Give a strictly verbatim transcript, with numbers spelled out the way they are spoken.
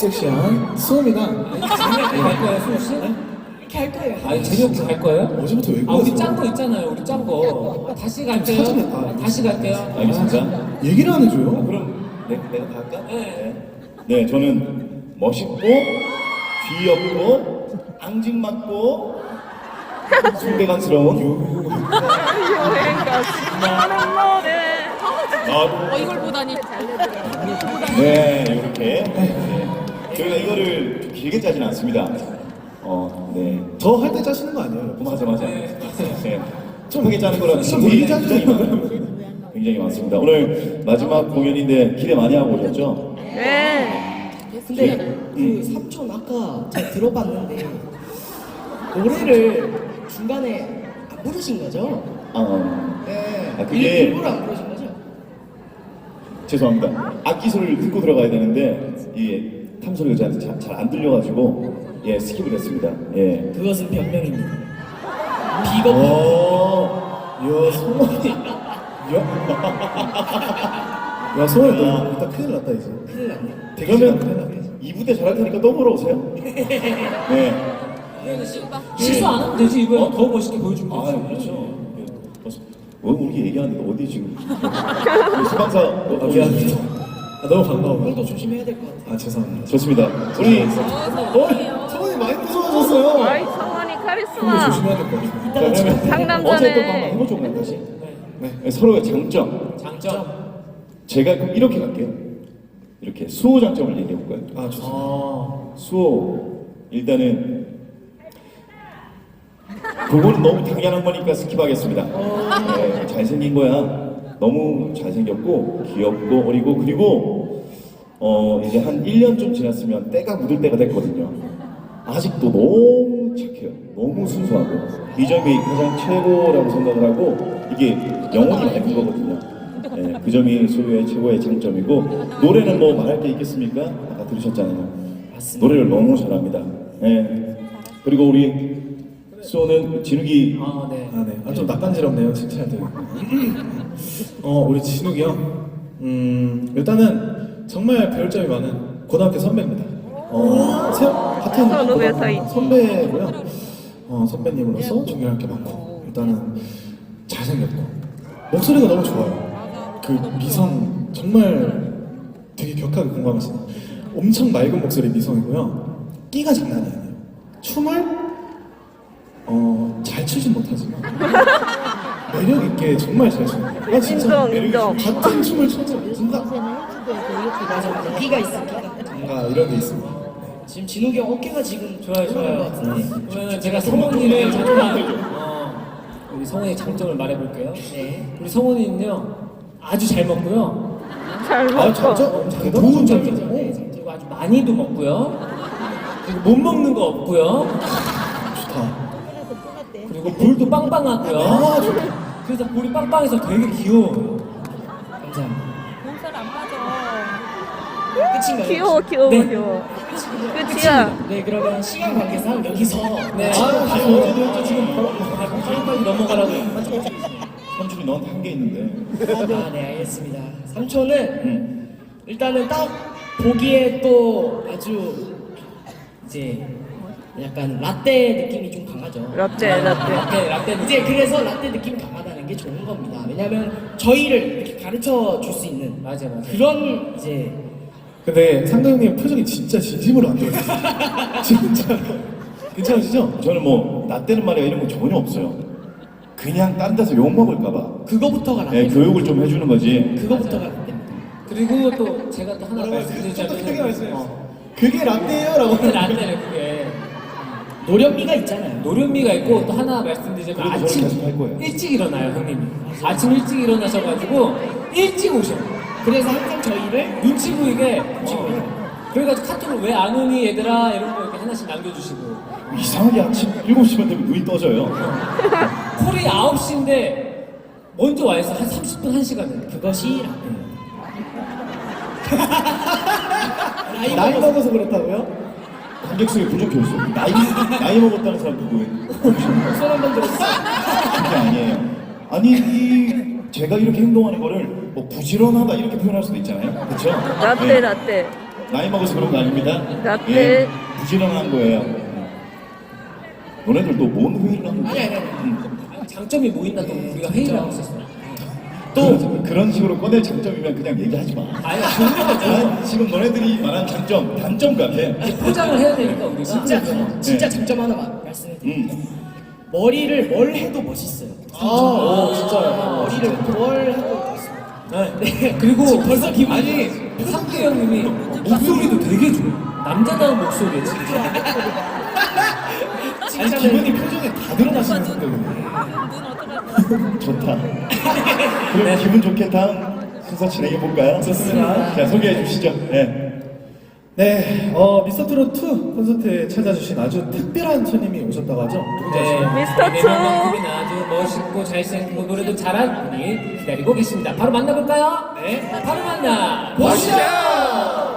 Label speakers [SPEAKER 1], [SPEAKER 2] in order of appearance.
[SPEAKER 1] 섹시한 수호입니다.
[SPEAKER 2] 재미없게 갈 거예요, 수호 씨?
[SPEAKER 3] 이렇게 할 거예요.
[SPEAKER 2] 아니 재미없게 갈 거예요?
[SPEAKER 1] 어제부터 왜
[SPEAKER 2] 아 우리
[SPEAKER 1] 그러세요?
[SPEAKER 2] 짠 거 있잖아요, 우리 짠 거. 다시 갈게요.
[SPEAKER 1] 사전에 다
[SPEAKER 2] 다시 갈게요.
[SPEAKER 4] 알겠습니다.
[SPEAKER 1] 얘기를 안 해줘요.
[SPEAKER 4] 그럼 내, 내가 다 할까?
[SPEAKER 2] 네.
[SPEAKER 4] 네, 저는 멋있고 귀엽고 앙증맞고 순대간스러운
[SPEAKER 5] 어, 이걸 보다니.
[SPEAKER 4] 네, 이렇게 네. 저희가 이거를 좀 길게 짜지는 않습니다. 어, 네.
[SPEAKER 1] 저 할 때 짜시는 거 아니에요?
[SPEAKER 4] 맞아, 맞아. 네. 좀 크게 짜는 거라
[SPEAKER 1] 좀
[SPEAKER 4] 굉장히,
[SPEAKER 1] 길게
[SPEAKER 4] 굉장히 많아요. 굉장히 많습니다. 오늘 마지막 공연인데 기대 많이 하고 오셨죠?
[SPEAKER 5] 네.
[SPEAKER 3] 근데
[SPEAKER 4] 음.
[SPEAKER 3] 그 삼촌 아까 제가 들어봤는데 노래를 중간에 안 부르신 거죠?
[SPEAKER 4] 아,
[SPEAKER 3] 네.
[SPEAKER 4] 아, 그게-
[SPEAKER 3] 일, 일부러 안 부르신 거죠?
[SPEAKER 4] 죄송합니다. 악기 소리를 듣고 들어가야 되는데 이 탐소리가 저한테 잘 안 들려가지고 예 스킵을 했습니다. 예.
[SPEAKER 3] 그것은 변명입니다. 비겁.
[SPEAKER 4] 어,
[SPEAKER 1] 이야 성원이. 야, 야 성원이 너 이따 큰일 났다 이제.
[SPEAKER 3] 큰일 났네.
[SPEAKER 4] 그러면 이 부대 잘할 테니까 또 보러 오세요. 네.
[SPEAKER 2] 실수 안 하면 되지, 이거 더 멋있게 보여주면
[SPEAKER 4] 아,
[SPEAKER 2] 되지.
[SPEAKER 4] 그렇죠. 예. 어, 우리 얘기하는데 어디 지금? 우리 수방사 어,
[SPEAKER 1] 아 미안합니다. 아, 너무 반가워.
[SPEAKER 3] 오늘도 조심해야 될 것 같아요.
[SPEAKER 1] 아 죄송합니다.
[SPEAKER 4] 좋습니다. 우리
[SPEAKER 1] 어, 성원이 많이 무서워졌어요.
[SPEAKER 5] 아이, 성원이
[SPEAKER 1] 근데
[SPEAKER 5] 카리스마.
[SPEAKER 1] 조심해야 될 것 같아요.
[SPEAKER 4] 자, 그러면
[SPEAKER 5] 상남자네.
[SPEAKER 4] 어제 했던 거 한번 해보죠 그냥 다시. 네. 서로의 장점.
[SPEAKER 2] 장점.
[SPEAKER 4] 제가 그럼 이렇게 갈게요. 이렇게 수호 장점을 얘기해 볼까요?
[SPEAKER 1] 아 좋습니다.
[SPEAKER 2] 어.
[SPEAKER 4] 수호 일단은 그거는 너무 당연한 거니까 스킵하겠습니다. 네, 잘생긴 거야. 너무 잘생겼고 귀엽고 어리고 그리고 어 이제 한 일 년 좀 지났으면 때가 묻을 때가 됐거든요. 아직도 너무 착해요. 너무 순수하고 이 점이 가장 최고라고 생각을 하고 이게 영혼이 맑은 거거든요. 네, 그 점이 수호의 최고의 장점이고 노래는 뭐 말할 게 있겠습니까? 아까 들으셨잖아요. 노래를 너무 잘합니다. 네. 그리고 우리 수호는 진욱이
[SPEAKER 2] 아 네.
[SPEAKER 1] 아 네. 아 좀 낯간지럽네요 칭찬할 때. 어 우리 진욱이 형. 음 일단은 정말 배울 점이 많은 고등학교 선배입니다. 어 세, 같은
[SPEAKER 5] 서로 왜
[SPEAKER 1] 고등학교
[SPEAKER 5] 사이?
[SPEAKER 1] 선배고요. 어 선배님으로서 존경할 게 많고 일단은 잘생겼고 목소리가 너무 좋아요. 그 미성 정말 되게 격하게 공감하시는 엄청 맑은 목소리 미성이고요. 끼가 장난이 아니에요. 춤을 어, 잘 추진 못하지만 매력 있게 정말 잘 추는 거예요. 나 진짜
[SPEAKER 5] 인정,
[SPEAKER 1] 매력
[SPEAKER 5] 인정.
[SPEAKER 1] 있어. 같은 춤을 춰도 뭔가
[SPEAKER 3] 맞아. 끼가 있어, 끼가.
[SPEAKER 1] 뭔가 이런 게 있습니다.
[SPEAKER 3] 지금 진욱이 형 어깨가 지금
[SPEAKER 2] 좋아요,
[SPEAKER 3] 올라간 것
[SPEAKER 2] 좋아요.
[SPEAKER 3] 같은데.
[SPEAKER 2] 그러면 제가 성훈이의 잠깐 어, 우리 성훈이의 장점을 말해볼게요.
[SPEAKER 3] 네.
[SPEAKER 2] 우리 성훈이는요 아주 잘 먹고요.
[SPEAKER 5] 잘
[SPEAKER 1] 아,
[SPEAKER 5] 먹고.
[SPEAKER 1] 장점
[SPEAKER 2] 좋은
[SPEAKER 1] 대단한
[SPEAKER 2] 점이죠.
[SPEAKER 1] 점이죠.
[SPEAKER 2] 네, 그리고 아주 많이도 먹고요. 그리고 못 먹는 거 없고요.
[SPEAKER 1] 좋다.
[SPEAKER 2] 그리고 볼도 빵빵하고요.
[SPEAKER 1] 아, 좋다.
[SPEAKER 2] 그래서 볼이 빵빵해서 되게 귀여워요.
[SPEAKER 3] 감사합니다.
[SPEAKER 5] 몸살 안 빠져.
[SPEAKER 3] 끝인가요?
[SPEAKER 5] 귀여워, 귀여워,
[SPEAKER 2] 네.
[SPEAKER 5] 귀여워. 끝이야.
[SPEAKER 3] 네, 그러면 시간 관계상 여기서
[SPEAKER 2] 네,
[SPEAKER 3] 아,
[SPEAKER 2] 지금
[SPEAKER 3] 아,
[SPEAKER 2] 지금 어제도 지금 빨리빨리 넘어가라고.
[SPEAKER 4] 삼촌이 너한테 한 게 있는데
[SPEAKER 3] 아, 네, 알겠습니다. 삼촌은
[SPEAKER 4] 음.
[SPEAKER 3] 일단은 딱 보기에 또 아주 이제 약간 라떼 느낌이 좀 강하죠.
[SPEAKER 5] 라떼, 라떼.
[SPEAKER 2] 라떼, 라떼
[SPEAKER 3] 이제 그래서 라떼 느낌이 강하다는 게 좋은 겁니다. 왜냐면 저희를 이렇게 가르쳐 줄 수 있는
[SPEAKER 2] 맞아, 맞아.
[SPEAKER 3] 그런 이제
[SPEAKER 1] 근데 상대님 표정이 진짜 진심으로 안 들어있어요. 진짜 괜찮으시죠?
[SPEAKER 4] 저는 뭐 나 때는 말이야 이런 거 전혀 없어요. 그냥 딴 데서 욕 먹을까봐
[SPEAKER 3] 그거부터가 라떼.
[SPEAKER 4] 네, 교육을 좀 해주는 거지.
[SPEAKER 3] 그거부터가 라떼입니다.
[SPEAKER 2] 그리고 또 제가 또 하나
[SPEAKER 1] 뭐라고 했어요?
[SPEAKER 2] 말씀드리자면
[SPEAKER 1] 똑똑하게 말씀해주세요.
[SPEAKER 2] 어,
[SPEAKER 1] 그게 라떼예요라고.
[SPEAKER 2] 그때 라떼는 그게
[SPEAKER 3] 노련미가 있잖아요.
[SPEAKER 2] 노련미가 있고 또 하나 말씀드리자면
[SPEAKER 4] 그래도 저는
[SPEAKER 2] 아침
[SPEAKER 4] 계속 할 거예요.
[SPEAKER 2] 일찍 일어나요 형님이. 아침 일찍 일어나셔가지고 일찍 오셔.
[SPEAKER 3] 그래서 항상 저희를
[SPEAKER 2] 눈치 보이게 어. 그래가지고 카톡을 왜 안 오니 얘들아 이런 거 이렇게 하나씩 남겨주시고
[SPEAKER 4] 이상하게 아침 일곱 시만 되면 눈이 떠져요.
[SPEAKER 2] 콜이 아홉 시인데 먼저 와 있어. 한 삼십 분 한 시간을.
[SPEAKER 3] 그것이 라떼.
[SPEAKER 1] 나이 먹어서 그렇다고요?
[SPEAKER 4] 관객석에 부족해 있어. 나이 나이 먹었다는 사람 누구예요?
[SPEAKER 3] 손 한번 들어주세요.
[SPEAKER 4] 그게 아니에요. 아니 이 제가 이렇게 행동하는 거를 뭐 부지런하다 이렇게 표현할 수도 있잖아요. 그렇죠?
[SPEAKER 5] 라떼, 라떼.
[SPEAKER 4] 나이 먹어서 그런 거 아닙니다.
[SPEAKER 5] 라떼.
[SPEAKER 4] 예, 부지런한 거예요. 너네들 또 뭔 회의를 하는 거야?
[SPEAKER 3] 아니 아니 아니.
[SPEAKER 2] 아, 장점이 뭐 있나 또 우리가 회의를 하고 있었어요.
[SPEAKER 4] 또 그런 식으로 꺼낼 장점이면 그냥 얘기하지 마.
[SPEAKER 2] 아니 종류가 좀
[SPEAKER 4] 난 지금 너네들이 말한 장점, 단점 같아.
[SPEAKER 2] 포장을 해야 되니까 우리가.
[SPEAKER 3] 진짜 진짜
[SPEAKER 4] 네.
[SPEAKER 3] 장점 하나 마- 말씀드릴게요.
[SPEAKER 4] 음.
[SPEAKER 3] 머리를 뭘 해도 멋있어요.
[SPEAKER 2] 아, 오, 진짜요.
[SPEAKER 3] 머리를 뭘 해도 멋있어요.
[SPEAKER 2] 네. 그리고
[SPEAKER 3] 지금 벌써 기분이
[SPEAKER 2] 아니 상규 형님이 목소리도 되게 좋아요. 남자다운 목소리에 진짜.
[SPEAKER 1] 아니 기분이 표정에 다 드러나시는 성격이네.
[SPEAKER 4] 좋다. 그럼 기분 좋게 다음 순서 진행해 볼까요?
[SPEAKER 1] 좋습니다.
[SPEAKER 4] 자, 소개해 주시죠. 네.
[SPEAKER 1] 네, 어, 미스터트롯 투 콘서트에 찾아주신 아주 특별한 손님이 오셨다고 하죠? 누군지 아시나요?
[SPEAKER 5] 미스터
[SPEAKER 2] 네,
[SPEAKER 5] 투.
[SPEAKER 2] 만큼이나 아주 멋있고 잘생기고 노래도 잘하는 분이 기다리고 계십니다. 바로 만나볼까요? 네. 바로 만나 보시죠.